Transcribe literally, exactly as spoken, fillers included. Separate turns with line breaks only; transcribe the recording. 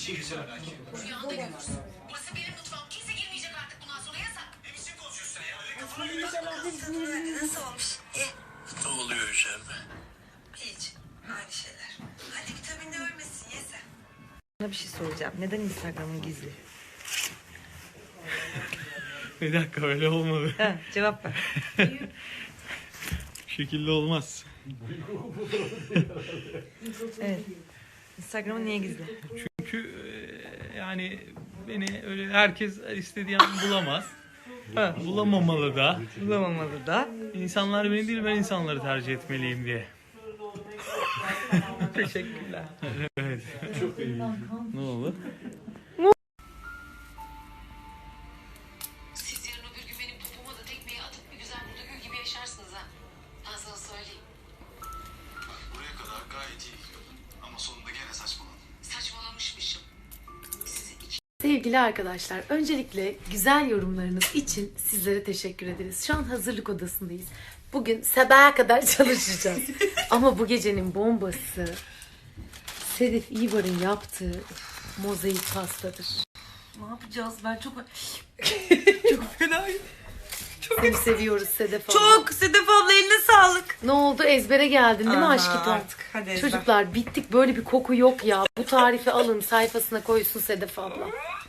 Rüyanda görürsün. Burası benim mutfağım. Kimse girmeyecek artık bundan sonra yasak.
Ne biçim konuşuyorsun sen ya? Öyle kafana göre.
Nasıl olmuş? İyi.
Ne oluyor içeride?
Hiç. Aynı şeyler. Hadi vitaminde ölmesin ye sen.
Sana bir şey soracağım. Neden Instagram'ın gizli?
Bir dakika öyle olmadı.
Ha, cevap ver.
Bu şekilde olmaz.
Evet. Instagram'ın niye gizli?
Çünkü e, yani beni öyle herkes istediği an bulamaz. Ha, bulamamalı da.
Bulamamalı da.
İnsanlar beni değil ben insanları tercih etmeliyim diye.
Teşekkürler.
Evet. Çok iyi. Ne oldu?
Siz yarın öbür gün benim popoma da tekmeyi atıp bir güzel burada gül gibi yaşarsınız ha. Ben sana söyleyeyim.
Bak buraya kadar gayet iyi gidiyordun. Ama sonunda gene saçmaladın.
Saçmalamışmışım. Sizi iki
Sevgili arkadaşlar, öncelikle güzel yorumlarınız için sizlere teşekkür ederiz. Şu an hazırlık odasındayız. Bugün sabaha kadar çalışacağız. Ama bu gecenin bombası Sedef İbar'ın yaptığı mozaik pastadır.
Ne yapacağız? Ben çok... çok fenayım.
Seni seviyoruz Sedef abla.
Çok! Sedef abla eline sağlık.
Ne oldu? Ezbere geldin değil mi
Aha,
aşkım?
artık. Hadi ezber.
Çocuklar bittik, böyle bir koku yok ya. Bu tarifi alın, sayfasına koysun Sedef abla.